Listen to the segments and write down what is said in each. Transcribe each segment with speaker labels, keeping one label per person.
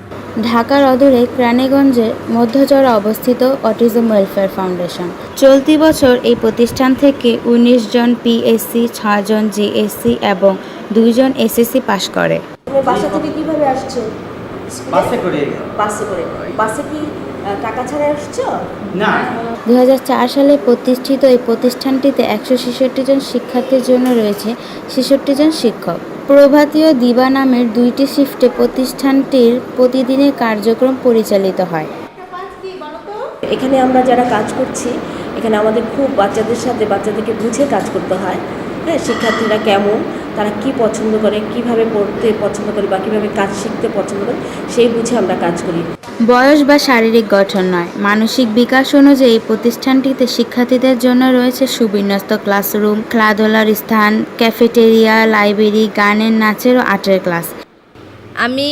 Speaker 1: ঢাকার অদূরে কেরানীগঞ্জের মধ্যচরে অবস্থিত অটিজম ওয়েলফেয়ার ফাউন্ডেশন। চলতি বছর এই প্রতিষ্ঠান থেকে ১৯ জন পিএসসি, ৬ জন জিএসসি এবং ২ জন এসএসসি পাশ করে।
Speaker 2: বাসা থেকে কিভাবে আসছো?
Speaker 3: বাসে করে।
Speaker 2: বাসে কি টাকা ছাড়া আসছো?
Speaker 3: না।
Speaker 1: ২০০৪ সালে প্রতিষ্ঠিত এই প্রতিষ্ঠানটিতে ১৬৬ জন শিক্ষার্থীর জন্য রয়েছে ৬৬ জন শিক্ষক। প্রভাতী ও দিবা নামের ২টি শিফটে প্রতিষ্ঠানটির প্রতিদিনের কার্যক্রম পরিচালিত হয়।
Speaker 2: এখানে আমরা যারা কাজ করছি, এখানে আমাদের খুব বাচ্চাদেরকে বুঝে কাজ করতে হয়। হ্যাঁ, শিক্ষার্থীরা কেমন, তারা কি পছন্দ করে, কিভাবে পড়তে পছন্দ করে বা কীভাবে কাজ শিখতে পছন্দ করে, সেই বুঝে আমরা কাজ করি।
Speaker 1: বয়স বা শারীরিক গঠন নয়, মানসিক বিকাশ অনুযায়ী এই প্রতিষ্ঠানটিতে শিক্ষার্থীদের জন্য রয়েছে সুবিন্যস্ত ক্লাসরুম, খেলাধুলার স্থান, ক্যাফেটেরিয়া, লাইব্রেরি, গানের, নাচের ও আর্টের ক্লাস।
Speaker 4: আমি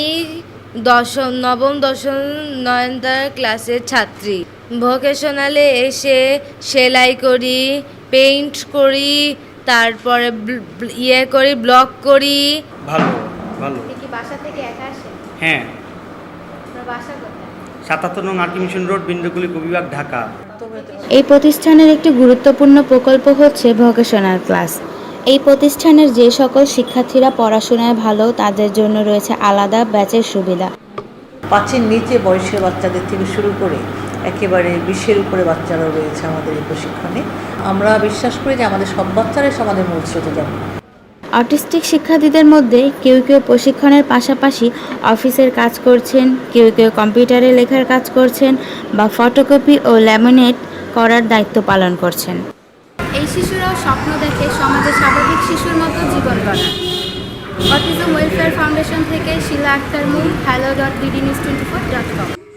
Speaker 4: নবম দশম নয়নতার ক্লাসের ছাত্রী। ভোকেশনালে এসে সেলাই করি, পেইন্ট করি, তারপরে ব্লগ করি।
Speaker 3: ভালো ভালো।
Speaker 5: কি বাসা থেকে একা আসে?
Speaker 3: হ্যাঁ।
Speaker 5: আপনার বাসা কোথায়?
Speaker 3: ৭৭ নং আরকি মিশন রোড, বিন্দুগুলি বিভাগ, ঢাকা।
Speaker 1: এই প্রতিষ্ঠানের একটি গুরুত্বপূর্ণ প্রকল্প হচ্ছে ভোকেশনাল ক্লাস। এই প্রতিষ্ঠানের যে সকল শিক্ষার্থীরা পড়াশোনায় ভালো, তাদের জন্য রয়েছে আলাদা ব্যাচের সুবিধা।
Speaker 6: ৫-এর নিচে বয়সের বাচ্চাদের থেকে শুরু করে একেবারে ২০-এর উপরে বাচ্চারাও রয়েছে আমাদের এই প্রশিক্ষণে। আমরা বিশ্বাস করি যে আমাদের সব বাচ্চারাই আমাদের মূল স্রোতে যাবে।
Speaker 1: অটিস্টিক শিক্ষার্থীদের মধ্যে কেউ কেউ প্রশিক্ষণের পাশাপাশি অফিসের কাজ করছেন, কেউ কেউ কম্পিউটারে লেখার কাজ করছেন বা ফটোকপি ও ল্যামিনেট করার দায়িত্ব পালন করছেন।
Speaker 5: এই শিশুরাও স্বপ্ন দেখে সমাজে স্বাভাবিক শিশুর মতো জীবন গড়ার। অটিজম ওয়েলফেয়ার ফাউন্ডেশন থেকে শিলা আক্তার মুন, hello.bdnews24.com।